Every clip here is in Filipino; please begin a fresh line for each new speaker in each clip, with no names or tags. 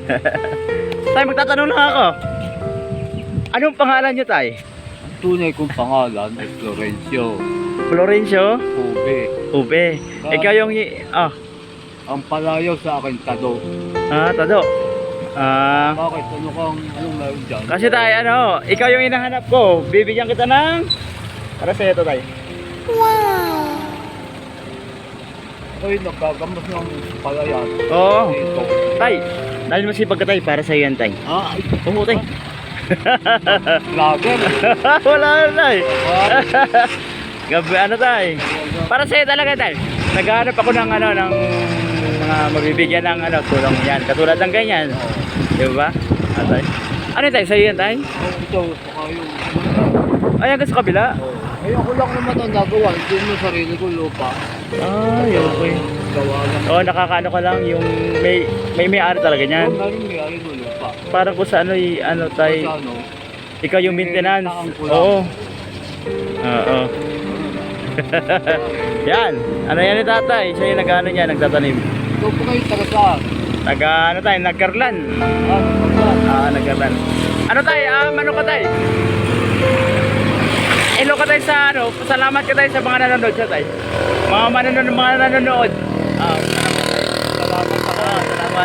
Tay, magtatanong lang ako. Anong pangalan niyo, Tay?
Ang tunay kong pangalan ay Florencio
Florencio?
Ube.
Ube. Ikaw yung...
Ang palayaw sa akin, Tado.
Tado.
Bakit? Anong meron dyan?
Kasi Tay, ikaw yung hinahanap ko. Bibigyan kita ng... Para sa'yo to, Tay.
Ay, nagkagamas ng palayan.
Oo.
Dito.
Tay, dahil masipag ka, Tay, para sa'yo yan, Tay.
Ay,
Oo, Tay.
vlogger.
Wala na, Tay. Gabi, Tay. Para sa'yo talaga, Tay. Naghahanap ako ng ng mga mabibigyan ng tulong yan. Katulad ng ganyan. Di ba? Tay. Ano Tay? Sa'yo yan, Tay?
Ito, saka yung...
Ay, hanggang sa kabila?
Ay, ako lang naman ang nagawa. Hindi mo sarili ko lupa.
Ay, okay.
Gawa lang.
Oo, nakakaano ka lang yung may-ari talaga niyan.
Oo, meron may ari mo lupa.
Parang kung sa Tay,
Sa ano?
ikaw yung maintenance.
Taang ko lang.
Oo. Oo. Yan. Ano yan ni Tatay? Siya yung nag-ano niya, nagtatanim.
Ito po kayo taga saan?
Tayo, nagkarlan. Nagkarlan. Ano Tay? Ano ka Tay? Hello ka Tay sa pasalamat ka Tay sa mga nanonood siya Tay. Mga nanonood.
Salamat ako.
Salamat.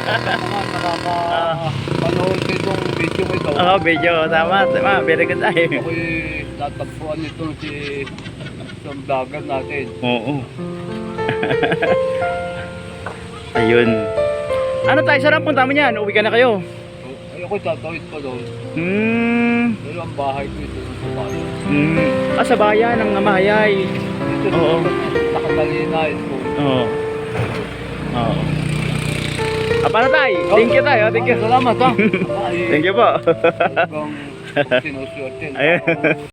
Nakapanood ko itong video ko ito.
Video. Tama. Very good Tay.
Ako'y natagpuan nito si isang vlogger natin.
Oo. Ayun. Ano Tay? Saan ang punta mo niyan? Uwi ka na kayo?
Ay, ako'y tatawid pa doon. Pero ang bahay ko ito sa bahay.
Sa bayan ng Mahayay.
Ito
Oo.
nakatalina ito.
Oo. Oo. Paano Tay? Thank you Tay. Thank you.
Salamat ha.
Thank you po.
Hanggang sinusuot din.
Ayun.